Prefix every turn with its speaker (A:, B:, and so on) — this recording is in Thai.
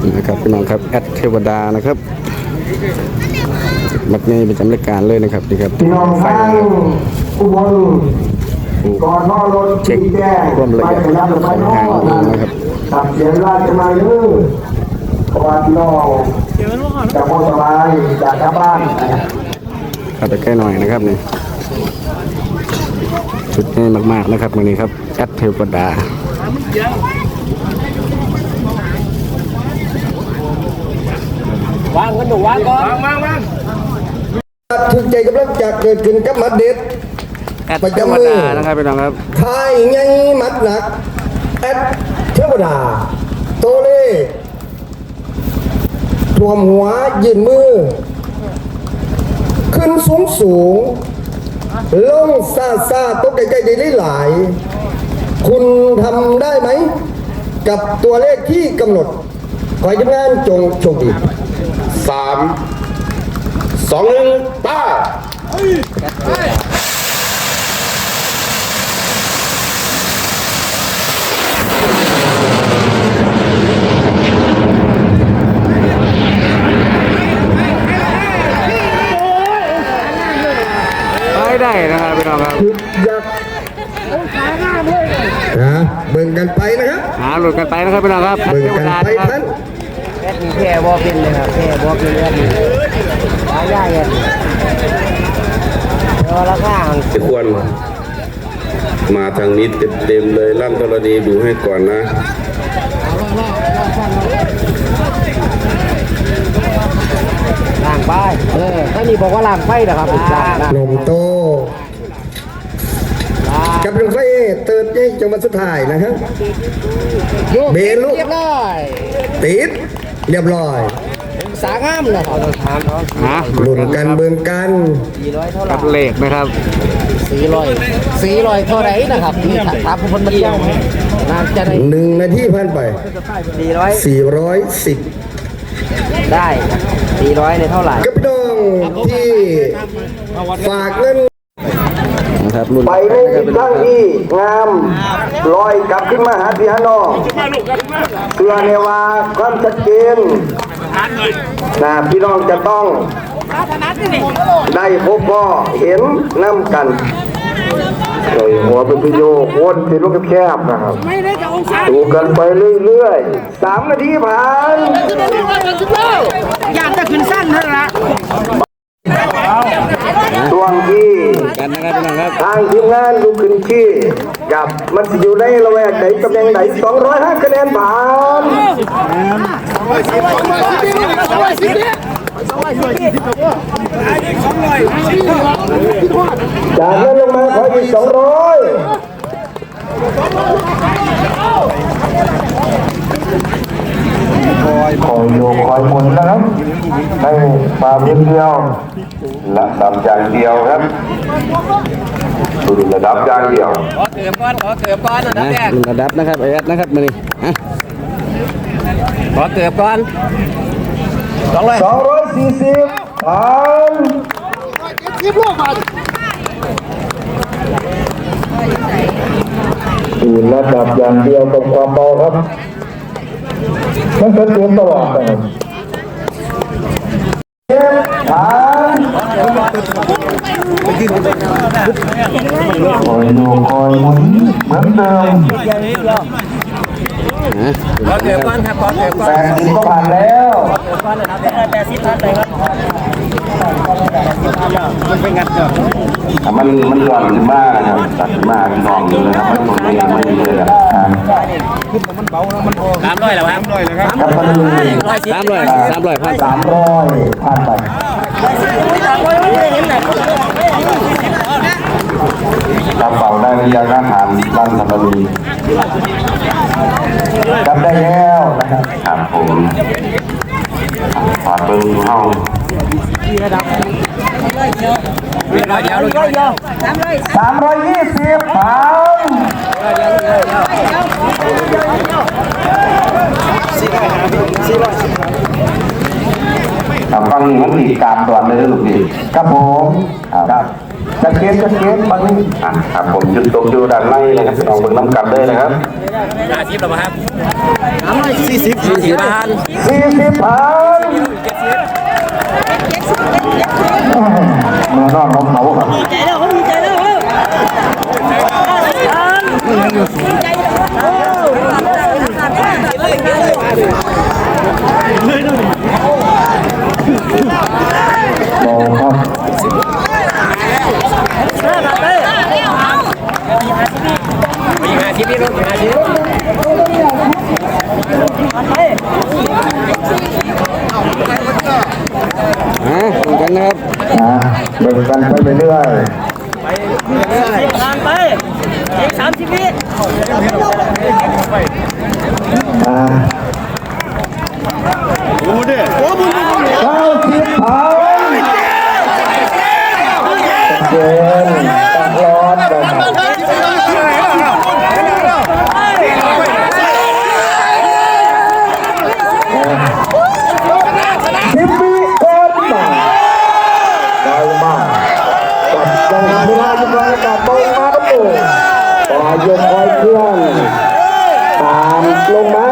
A: นะครับพี่น้องครับแอดเทวดานะครับมัดนี้เป็นจำรายการเลยนะครับนี่ครับไฟ
B: อุบลก่อนนอนรถเช็ค
A: ความละเอียดของทางนะครับ
B: ตัดเสียงราชมาเยอะเพราะว่าพี่น้องจะพอสบายจากชาวบ้าน
A: ขับไปใกล้หน่อยนะครับนี่ชุดนี้มากๆนะครับวันนี้ครับแอดเทวดาว
C: างกันดูวางก่อนวาง
B: ถึงใจกำลังจะเกิดขึ้นกับมัดเด็ด
A: แอดเทวดานะครับพี่น้องครับ
B: ทายไงมัดหนักแอดเทวดาโตเล่รวมหัวยืนมือขึ้นสูงลงซาตกใกล้ๆได้หลายคุณทำได้ไหมกับตัวเลขที่กำหนดขอให้ทีมงานจงโชคดี
C: 3 2 1ป้า
A: ได้นะครับพี่น้องครับ
B: ยักษ์เบิ่งกันไปนะครับ
A: หลุดกันไปนะครับพี่น้องครับ
B: เบิ่งกันไปท่าน
C: แอดมีแค่บอกเป็นเลยครับแค่บอกเป็นแอดมีหายากเลยเดี๋ยวราคา
D: จะควรมาทางนี้เต็มเลยลั่นธรณีดูให้ก่อนนะ
C: ล่างไปถ้ามีบอกว่าล่างไฟนะครับ
B: นมโตกับลงไฟเติร์ดนี่จังหวัดสุดท้ายนะครับเบนลูกติดเรียบร้อย
C: สางามเลยครับ
B: ลุ้นกันเบิ่งกัน
A: กับเลขนะครับ
C: 400เท่าไหร่นะครับนี่ถามคนมาเที่ยวน่าจะได้
B: 1 นาทีผ่านไป410
C: ได้400ในเท่าไหร่
B: กับพี่น้องที่ฝากเงิน
A: นะครับ
B: ไปในทิศทางที่งามลอยกลับขึ้นมาหาพี่ฮานองเพื่อในว่าความชัดเจนนะพี่น้องจะต้องได้พบพ่อเห็นน้ำกันเลยหัวเป็นพิโยโคนที่ลูกแคบนะครับดูกันไปเรื่อยๆ3 นาทีผ่าน
C: อยากจะขึ้นสั้นเท่านั้น
B: ช่วงที่
A: กันนะครับพี่น้องครับ
B: ทางทีมงานดูขึ้นที่กับมันอยู่ในระแวกไหนตำแหน่งไหน205 คะแนนผ่านจากนั้นลงมาขออีก200คอยโยกคอยหมุนนะครับให้มาเพียงเดียวระดับอย่างเดียวครับดูระดับอย่างเดียว
C: ขอเกือบก้อนนะแดก
A: ระดับนะครับไอแอดนะครับมาดิ
C: ขอเกือบก้อน
B: 240ผ่านดูระดับอย่างเดียวกับความเบาครับมันเกิดเตือนตลอดเลยผ่านคอยดูคอยหมุนเหมือนเดิม
C: ขอเกือบก้อนครับขอเกือบก้อน
B: 80ก็ผ่านแล้ว
C: 80ผ่านเลยครับมันเป็นงัดเนาะ
B: มันหย่อนขึ้นมากนะครับตัดขึ้นมากนองเลยนะครับมันตรงนี้ไม่ดีเลยครับ
C: มันเบาแล้วมัน300แล้วครับ300
B: ครับ
A: 300ผ่าน
B: 300ผ่านไปกระเป๋าได้ระยะการฐานลั่นสัปดีกลับได้แล้วนะครับ
D: ครับผมฝากเบิ้งเข้า
B: 320ผ่านฟังนี้มันติดกามตัวเลยลูกดิครับผมครับจะเกณฑ์บางนี้ครับผมจุดตกอยู่ด้านในนะครับพี่น้องเบิ่งน้ำกันเลยนะครับ40ผ่านมานอนของเขาครับดีใจแล้วดีใจแล้วมองครับ
A: เหมือนกันนะครับ
B: เบิ่งกันไปเรื่อย
C: ผ่านไปอีก30 วิ
B: 90ผ่านเกินตักร้อนนะครับ10 วิก่อนมาได้มาจับจังเวลาจะมาจับเบามาครับโอ้ปล่อยยกคอยเคลื่อนตามลงมา